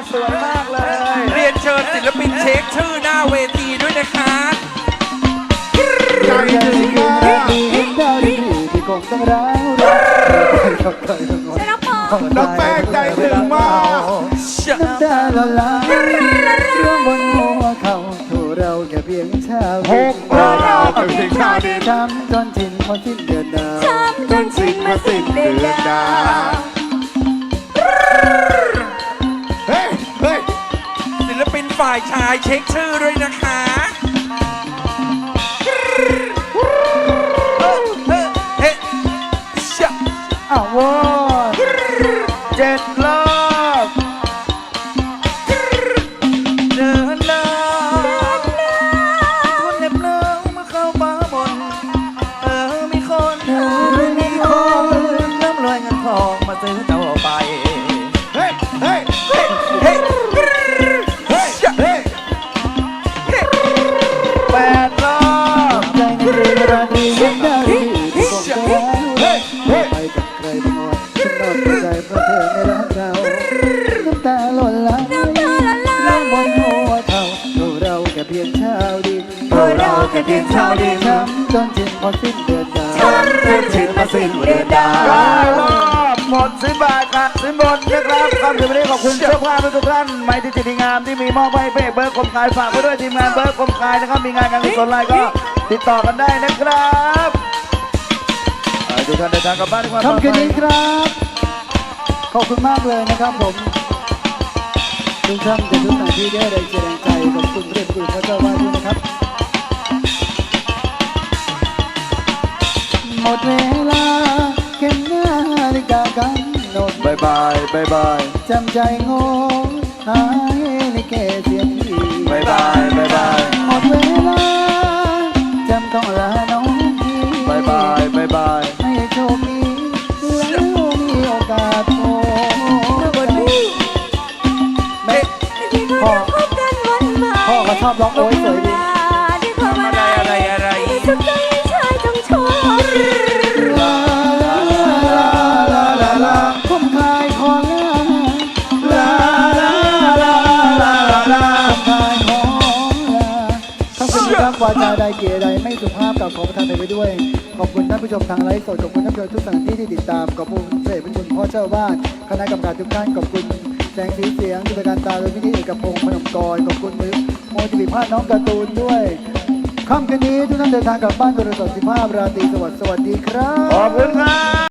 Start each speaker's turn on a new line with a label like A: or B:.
A: สวยมากเลย
B: เรียนเชิญศิลปินเช็คชื่อหน้าเวทีด้วยนะคะ
A: ใจถึงมากเห็นดาวดีที่คงต้องร้าวน้องแป้งใจถึงมากน้ำตาละลายเรื่องบนหัวเขาถูเราแค่เพียงชาวดินเราแค่เพียงชาวดินช้ำจนชินมาสิ้นเดือนดาวช้ำจนชินมาสิ้นเดือนดาวเฮ้ยเฮ้ย
B: ศิลปินฝ่ายชายเช็คชื่อด้วยนะคะ
A: อ้าว7 รอบเดินเดินคนเหน็บเนื้อเมื่อเข้ามาบนมีคนน้ำลอยเงินทองมาซื้อเจ้าไปเฮ้ยเฮ้ยเฮ้ยเฮ้ยเฮ้ยเฮ้ย8 รอบใจในเรื่องราตรียังได้ที่คงจะรักไปกับใครบ้างวะฉันนอนใจเพราะเธอไม่รักเราน้ำตาหล่นไหลน้ำบนหัวเท่าเราแค่เพียงชาวดินเราแค่เพียงชาวดินช้ำจนชินพอสิ้นเดือนดาวช้ำจนชินพอสิ้นเดือนดาวรอบหมด10 บาทค่ะสินบนนะครับคำถึงวันนี้ขอบคุณเจ้าภาพทุกท่านไม้ที่จิตงามที่มีมอบให้เป้เบิร์กคมคายฝากไว้ด้วยทีมงานเบิร์กคมคายนะครับมีงานการกุศลอะไรก็ติดต่อกันได้นะครับทุกท่านเดินทางกลับบ้านด้วยความปลอดภัยค่ำคืนนี้ครับขอบคุณมากเลยนะครับผมทุกท่านจะทุกท่านที่ได้แรงใจขอบคุณเรื่องคุณพระเจ้าว่าด้วยนะครับหมดเวลาเข็มนาฬิกากันนกบายบายบายบายจำใจงงหายในเกศเสียงทีบายบายบายบายหมดเวลาจำต้องลาน้องพี่บายบายบายบายให้โชคดีแล้วมีโอกาสโอ้พ่อก็ชอบร้องโอ้ยสวยดี
B: อะไร
C: สุดใจชายจงชอบ
A: ลาลาลาลาลาผมคลายคอลาลาลาลาลาลาผมคลายคอลาทั้งสิ่งทั้งวาจาใดเกียรใดไม่สุภาพกับขอประทานไปด้วยขอบคุณท่านผู้ชมทางไลฟ์สดขอบคุณท่านผู้ชมทุกสถานที่ที่ติดตามขอบคุณเสด็จพระคุณพ่อเจ้าบ้านคณะกรรมการทุกท่านขอบคุณแสงสีเสียงจิตรการตาโดยพิธีเอกพงศ์พนมกรขอบคุณโมจิบิภาสน้องการ์ตูนด้วยค่ำคืนนี้ทุกท่านเดินทางกลับบ้านโดยสวัสดิภาพราตรีสวัสดีครับขอบคุณครับ